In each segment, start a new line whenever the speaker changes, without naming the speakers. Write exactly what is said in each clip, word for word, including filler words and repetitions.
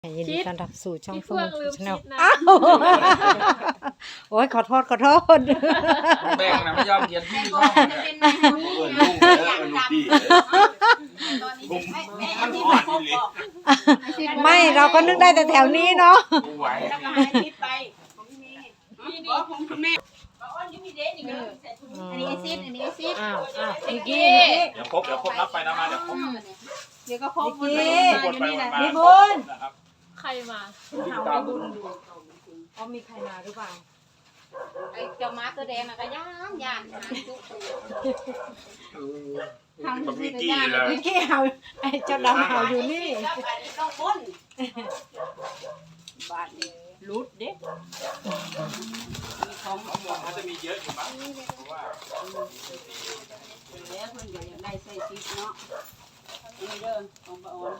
ยินดีต้อนรับสู่ช่อง
พี่
เฟื่
เฟื่
อ
อง งลืม
ชาแน
คิ
ล
ดนะ
อ้าวโอ้ยขอโทษขอโทษ
แบ่งนะไม่ยอมเขียนที่
ก็
ช่อง
จะ
เลย
เป็นนายคนนี้
เอิญ
นะ
ลุงเด้อเอิญลุงพี่
ตอนนี้
ผม
ไม่ไม่
มั
อั
น
นที่
อ่อ
มาน พ
นี่
บ
เลย
บอก
ไม่เราก็นึกได้แต่แถวนี้เนาะ
กูไหว
แล้วก็ให้ทิศไปของพี่เมย์พี่นี่ของคุณแม่บอกว่านี่มีเด็กนี่ก็ใส่ถุงอันนี้ไอซิดอันนี้ไอซิด
อ้าวอ้าว
นิกกี้
เดี๋ยวครบเดี๋ยวครบนับไปนับมาเดี๋ยวครบ
เดี๋ยวก็ครบ
นิกกี้
ทุกคนไปวันมา
พี่บุญ
นะครับ
ใครมา
ตาม
อ๋อมีใครมาหรือเปล่า
ไอ้เจ้าม้าตัวแดงน่ะก็ย่านย่านหาจุกทำ
กับ
ที่
มิก
ก็
กี้
ย่าน
เลย
นิกกี้เห่าไอ้เจ้าดำเห่าอยู่นี่
แล้วอันนี้ต้องบนบาทนี้รุดเด็กมีของเอาหมด
มันจะมีเยอะอยู่มั้งเพราะว่า
แล้วเพิ่นก็อยากได้ใส่ซิดเนาะนี่เด้อของป้าออน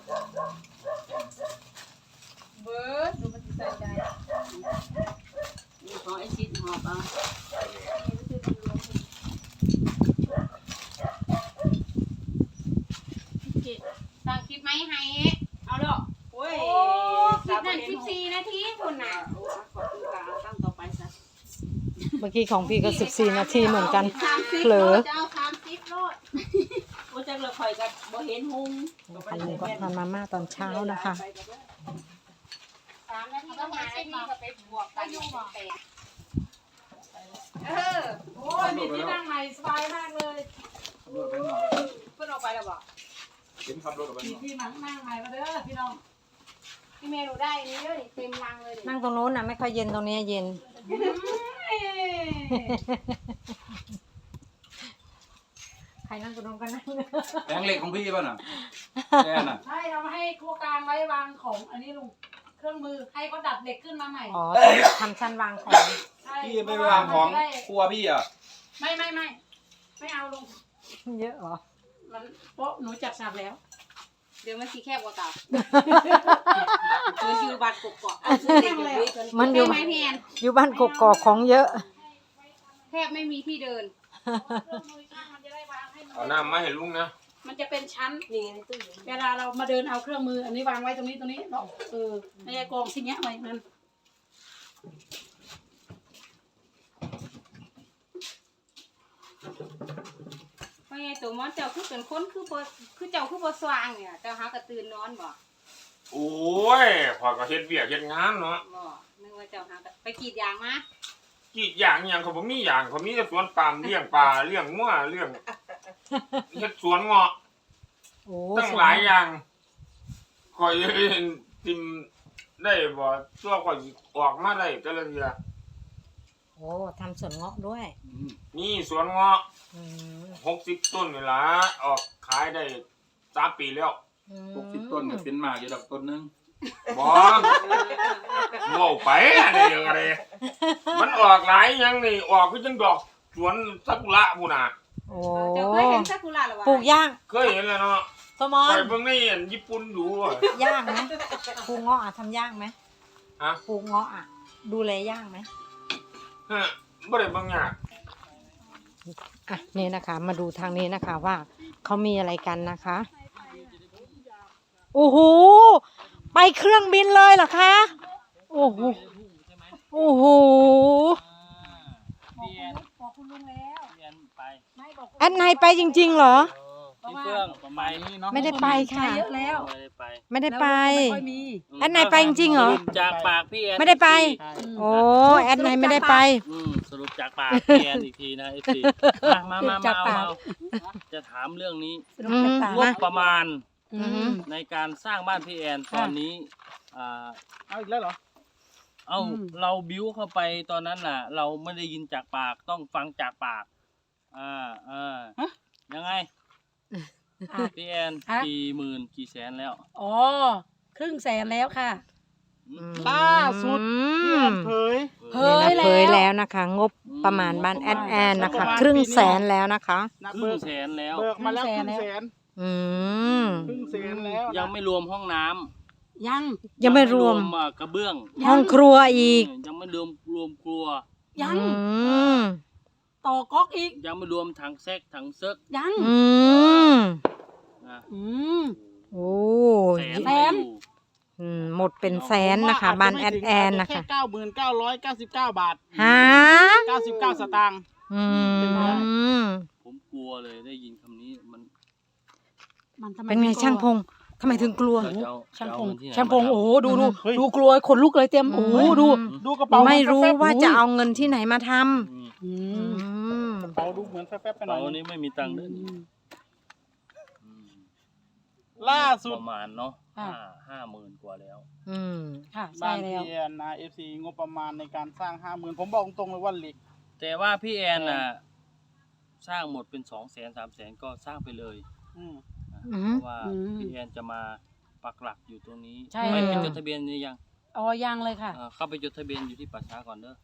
เบิร์ดดูมันใส่ใจนี่ของไอซิดหอบเอา
เจ็ด
สั่งคลิปไหมให้เอาดอกโอ้ยคลิปนั้นสิบสี่นาทีคุณน่ะโอ้ขอบคุณค่ะตั้งต่อไปซะ
เมื่อกี้ของพี่ก็สิบสี่นาทีเหมือนกัน
สามสิบ
เผลอ
จะเอาสามสิบโลดโอ้จักเลยข่อยกับบ่เห็นหุง
นะคะลุงก็ทานมาม่าตอนเช้านะคะ
สามนาทีก็หานาทีก็ไปบวกกันเป็นแปดเออ
โอ้ยมีที่นั่งใหม่สบายมากเลย
ขับรถไปหน่อย
เพิ่นออกไปแล้วบ่
เห็นขับรถไปห
มี
น่อย
ที่นั่งนั่งใหม่มาเด้อพี่น้อง
พี่เมย์หนูได้อันนี้เด้อนี่เต็มรังเลยนี่
นั่งตรงโน้นนะไม่ค่อยเย็นตรงนี้เย็น ใครนั่งตรงโน้นก็นั่ง
แบงค์เหล็กของพี่ป่ะน่ะแน่น่ะ
ใช่เรามาให้ครัวกลางไว้วางของอันนี้ลุงเครื่องมือให้เขาดัดเหล็กขึ้นมาใหม่
อ๋อทำชั้นวางของ
ใช่
พี่ไม่ไปวางของครัวพี่อ่ะ
ไม่ไม่ไม่ไม่เอาลุง
เยอะเหรอ
มันโป๊ะหนูจัดฉากแล้ว
เดี๋ยวมันสิแคบกว่าเก่าเอออยู่บ้านกกอกเอาซื้อเด็กอยู่ด้วย
มันอยู่
ได้ไหมพี่แอน
อยู่บ้านกกอกของเยอะ
แทบไม่มีที่เดิน
เครื่องมือช่างมันจะได้วางให้มัน
เอาน้ำมาให้ลุงนะ
มันจะเป็นชั้นเวลาเรามาเดินเอาเครื่องมือ อันนี้วางไว้ตรงนี้ตรงนี้เนาะเออในกองสิ่งเงี้ยไว้มัน
เพราะไงตัวมอนเจ้าคือเป็นคนคือบ่คือเจ้าคือบ่สว่างเนี่ยเจ้าหากระตื่นนอนบ่
โอ้ยพอก็เฮ็ดเวียกเฮ็ดงานเนาะ
บ่นึกว่าเจ้าหากระไปกรีดยางมา
กี่อย่างอย่างเขาบ่มีอย่างเขามีแต่สวนปาล์มเลี้ยงปลาเลี้ยงงัวเลี้ยงเฮ็ดสวนเงาะ
โอ้
ตั้งหลายอย่างคอยทิมได้บ่ตัวคอยออกมาได้แต่ละเดือน
โอ้ทำสวนเงาะด้วย
นี่สวนเงาะ
อืม
หกสิบต้นนี่ล่ะออกขายได้สามปีแล้ว
อืม
หกสิบต้นก็เป็นหมากอยู่ดอกต้นหนึง
บ่โง่ไปอะไรอย่างไรมันออกหลายอย่างนี่ออกคือจังดอกสวนซากุระพุ่นน่ะ
โอ้
เจ้าเคยเห็นซากุระหรือวะ
ปลูกย่าง
เคยเห็นแล้วเนาะ
สมอ
ไป
น
เบิ่งในอันญี่ปุ่นดูอะ
ย่างไหมปลูกเงาะอ่ะทำย่างไหม
ฮะ
ปลูกเงาะอ่ะ ดูแลย่างไหม
ฮะบ่ได้เบิ่งยาก
อ่ะนี่นะคะ มาดูทางนี้นะคะว่าเขามีอะไรกันนะคะ โอ้โห ไปเครื่องบินเลยเหรอคะ โอ้โห โอ้โห
พี่แอน
บอกคุณลุงแล้ว
พี่แอนไป
ไม่บอกคุณ
แอดไนไปจริงๆเหรอ
พี่เฟื่องประมาณนี้เนาะ
ไม่ได้ไปค่ะ
เยอะแล้ว
ไม่ได้ไป
ไม่ได้ไป
ไม่ค่อยมี
แอดไนไปจริงๆเหรอ
สรุปจากปากพี่แอน
ไม่ได้ไป
ใช่
โอ้แอดไนไม่ได้ไป
อืมสรุปจากปากพี่แอนอีกทีนะเอฟซีมามามา
จา
มา
ก
เอา
ปาก
เอาจะถามเรื่องนี้
อืม
งบประมาณ
อืม
ในการสร้างบ้านพี่แอนตอนนี้อ่า
เอาอีกแล้วเหรอ
เอาเราบิ้วเข้าไปตอนนั้นน่ะ เราไม่ได้ยินจากปากต้องฟังจากปาก อ่าอ่ายังไง
อ่ะ
พี่แอน
ฮะ
กี่หมื่นกี่แสนแล้ว
อ๋อครึ่งแสนแล้วค่ะ
ล่าสุด พี่แอนเผย
เผ
นี่
ย
นะเผยแล้วนะคะ งบประมาณบ้านแอดแอนนะคะ ครึ่งแสนแล้วนะคะ
นัก
ครึ่
เบิ
ง
ก
แสนแล้ว
เบิกมาแล้วครึ่งแสน
อืม
ครึ่งแสนแล้ว
ยังไม่รวมห้องน้ำ
ยัง
ยังไม่รวม
อ่ากระเบื้อง
ห้องครัวอีก
ยังไม่รวมรวมครัว
ยัง
อืม
ต่อก๊อกอีก
ยังไม่รวมถังแซกถังเซิก
ยัง
อืม
นะ
อืม
โอ้
แสน
แส
ไม่
น
อยู่
อืมหมดเป็นแสนนะคะบ้านแอดแอนนะคะ
แค่เก้าหมื่นเก้าร้อยเก้าสิบเก้าบาท
ฮะ
เก้าสิบเก้าสตางค์
อืม
ผมกลัวเลยได้ยินคำนี้มัน
มันทำไม
เป็นไง
ม่กลัว
ช่างพงทำไมถึงกลัว
เราจะเอา
ช่าง
จะ
พ
เอา
ง
เงินที่ไหน
ช่างพง
มาทำ
โอ้โหดูดู
เฮ้ย
ดูกลัวขนลุกเลยเต็มโอ้โหดู
ดูกระเป๋า
ไม่รู้
แฟบๆ
ว่าจะเอาเงินที่ไหนมาท
อืม
อื
ำอื
ม
ม
กระเป๋าดูเหมือนแฟบๆไปหน่
เรา
อย
วันนี้ไม่มีตังค์เด้อ
อืม
อืม
ล่าสุด
ประมาณเนาะ
ค่ะ
ห้าห้าหมื่นกว่าแล้ว
อืม
ค่ะใช่
บ้าน
แล้ว
พี่แอนนะเอฟซีงบประมาณในการสร้างห้าหมื่นผมบอกตรงเลยว่าเหล็ก
แต่ว่าพี่แอนน่ะ สร้างหมดเป็นสองแสนสามแสนก็สร้างไปเลย
อืม
นะ
อื
เพ
ม
ราะว่าพี่แอนจะมาปักหลักอยู่ตรงนี้
ใช่
ไม่ไป
แล้ว
จดทะเบียนหรือยัง
อ๋อยังเลยค่ะ
เอ่อเข้าไปจดทะเบียนอยู่ที่ป่าช้าก่อนเด้อ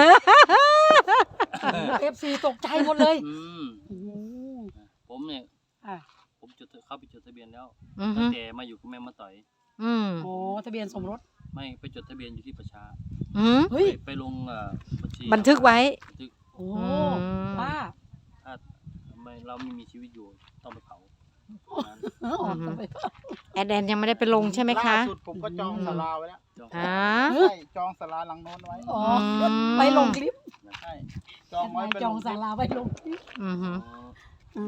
เอฟซีตกใจหมดเลย
อืม
โอ้โห
ผมเนี่ย
อ่ะ
ผมจดเข้าไปจดทะเบียนแล้ว
อืม
ตั้งแต่มาอยู่กับแม่มาต่อย
อืม
โอ้ทะเบียนสมรส
ไม่ไปจดทะเบียนอยู่ที่ป่าช้า
อืม
เฮ้ย
ไปไปลงเอ่อบัญชี
บันทึกไว้
บันทึก
โอ้
อืม
ป้า
ถ้าไม่เราไม่มีชีวิตอยู่ต้องไปเผานั้น
เออออกไป
แอดแอนยังไม่ได้ไปลงใช่ไหมคะ
ล่าสุดผมก็จองศาลาไว้แล้ว
จอง
ฮะ
ใช่จองศาลาหลังโน้นไว้
อ๋อ
อืม
ไปลงคลิป
ใช่จองไว้เป็น
จองศาลาไปลงคลิป
อืมฮึ
อ๋อ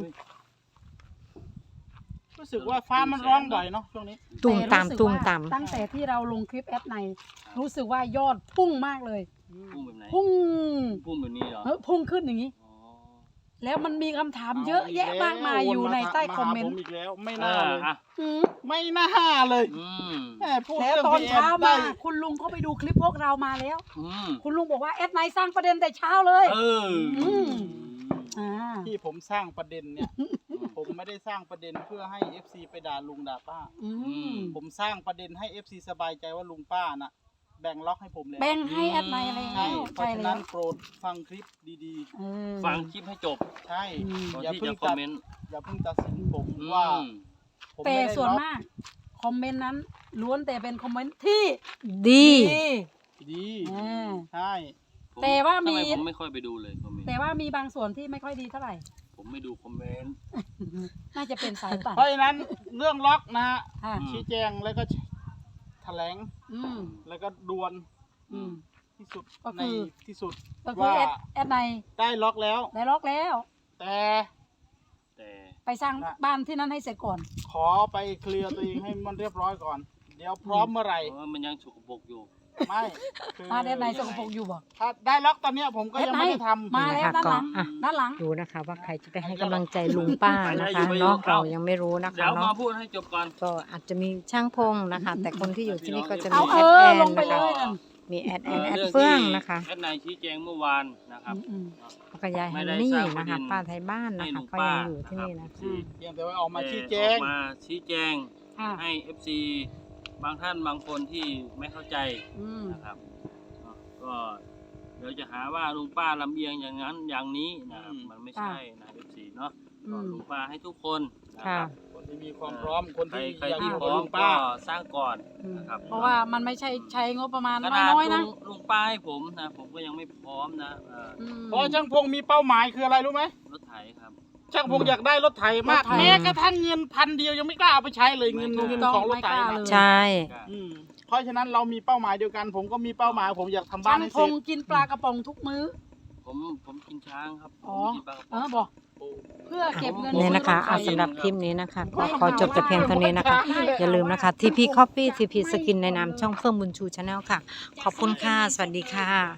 รู้สึกว่าฟ้ามันร้องบ่อยเนาะช่วงนี้
ตุ่มตาม
แรู้สึก
ตุ่ม
ว่า
ตาม
ตั้งแต่ที่เราลงคลิปแอดในรู้สึกว่ายอดพุ่งมากเลย
พุ่งแบบไหน
พุ่ง
พุ่งแบบนี้เหรอ
เออพุ่งขึ้นอย่างนี้
อ๋อ
แล้วมันมีคำถามเยอะแยะมากมายอยู่ในใต้คอมเมน
ผ
ต์
อีกแล้วไม่
เอ
น่า
อ
เลย
อ่ะ
อืม
ไม่น่าเลย
อืม
แหมพูด
แล้ว
เรื่อง
ตอน
พี่แ
เช้า
ได้
มาคุณลุงเขาไปดูคลิปพวกเรามาแล้ว
อืม
คุณลุงบอกว่าแอดไนสร้างประเด็นแต่เช้าเลย
เออ
อืม อ่า
ที่ผมสร้างประเด็นเนี่ย ผมไม่ได้สร้างประเด็นเพื่อให้ เอฟ ซี ไปด่าลุงด่าป้า
อืม
ผมสร้างประเด็นให้ เอฟ ซี สบายใจว่าลุงป้าน่ะ แบ่งล็อกให้ผมเลย
แบ่งให้แอดไนอะไร
ใช่
แล้ว
เพ
ใช่
ราะฉะ
แล้
นั้
วน
โปรดฟังคลิปดี
เออ
ฟังคลิปให้จบ
ๆ ใช่
อืม
ก่อน
อย่า
ที่
เพิ่
จะ
ง
คอม
ตัด
เมนต์
อย่าเพิ่งตัดสินผม
อืม
ว่าผม
แต่
ไม่ได้
ส่วน
ล็อก
มาก คอมเมนต์นั้นล้วนแต่เป็นคอมเมนต์ที่
ดี
ดี
ดี
อ่า
ใช่
ผม
แต่ว่ามี
ทำไผมไม่ค่อยไปดูเลยคอมเมนต์
แต่ว่ามีบางส่วนที่ไม่ค่อยดีเท่าไหร่
ผมไม่ดูคอมเมนต์
น่าจะเป็นสายป่าน
เพราะฉะนั้นเรื่องล็อกนะฮะ
ค่ะ
อืม
ชี้แจงแล้วก็แถลง
อืม
แล้วก็ดวน
อืม
ที่สุด
ก็
ใน
คือ
ที่สุด
ก็คือ
ว่า
แอดแอดไน
ได้ล็อกแล้ว
ได้ล็อกแล้ว
แต่
แต่
ไปสร้างบ้านที่นั่นให้เสร็จก่อน
ขอไปเคลียร์ตัวเองให้มันเรียบร้อยก่อน เดี๋ยวพร้อมเมื่อไหร่
เพราะว่ามันยังฉุกบกอยู่
ไม่คือ
บ้านแอดไนสกปรกอยู่บ่
ถ้าได้ล็อกตอนเนี้ยผมก็ยังไม่ได้ทำ
มาแล้ว
นะคะ
ด้านหลัง
ก็อ่ะ
ด้านหลัง
ดูนะคะว่าใครจะไปให้กำลังใจลุงป้านะคะเนาะเรายังไม่รู้นะ
เดี๋
คะ
ยวมา
เนาะ
พูดให้จบก่อน
ก็อาจจะมีช่างพงนะคะ แต่คนที่อยู่ที่นี่ก็จะ
เอา
มี
เอ
แอด
อ
แอน
ลงไป
นะ
เล
คะ
ยนั่น
มีแอดแอนแอด
รื่อง
เฟื่อง
ที่
นะคะ
แอดนายชี้แจงเมื่อวานนะครับ
อืม
แล้วก็ยายฮัน
ไม่ได้
นี่
สร้างประ
นะ
เด็
คะ
น
ป้าไทยบ้าน
ให้
นะคะ
ลุง
ก็
ป้า
ยังอยู่ที่นี่นะ
รับ
อืม
เพียงแต่ว่าออกมาชี้แจง
ออกมาชี้แจง
อ่ะ
ให้ เอฟ ซี บางท่านบางคนที่ไม่เข้าใจ
อืม
นะครับเนาะก็เดี๋ยวจะหาว่าลุงป้าลำเอียงอย่างนั้นอย่างนี้นะครับ
อืม
มันไม่ใช่นะ เอฟ ซี เนาะ
อื
ก็
ม
ลุงป้าให้ทุกคนนะ
ค่ะ
ครับ
คนที่มีความพร้อมคน
ใคร
ที่
ใคร
อยากอ
ที่
ยู่
พ
กับ
ร้อ
ลุ
ม
ง
ก็
ป้า
สร้างก่อน
อืม
นะครับ
เพราะว่ามันไม่ใช่ใช้งบประมาณ
ขนาด
น้อยๆ
ลุ
นะ
งลุงป้าให้ผมนะผมก็ยังไม่พร้อมนะเอ่อ
อืม
เพราะช่างพงมีเป้าหมายคืออะไรรู้ไหม
รถไถครับ
ช่างพงอยากได้รถไถมาก
รถไถ
แม้กระทั่งเงินพันเดียวยังไม่กล้าเอาไปใช้เลยเงิน
ไม่กล้า
เงินของรถไถ
ไม่กล้า
นะ
เลย
ใช่
อืมเพราะฉะนั้นเรามีเป้าหมายเดียวกัน ผมก็มีเป้าหมาย ผมอยากทำบ้า
ช่าน ง
ให้
พ
เสร็
ง
จ
กินปลากระป๋องทุกมื้อ
ผมผมกินช้างครับผม
อ๋อ
ไม่กินปลากระ
เอ
ป๋อ
อง บอก เพื่อเก็บเงิน
เนี่ยนะคะ
ซื้
เอา
อรถไถ
สำหรับคลิปนี้นะคะก็ขอจบแต่เพียงเท่านี้นะคะ อย่าลืมนะคะ ที พี Coffee ที พี Skin ในนามช่องเฟื่องบุญชูชาแนลค่ะ ขอบคุณค่ะ สวัสดีค่ะ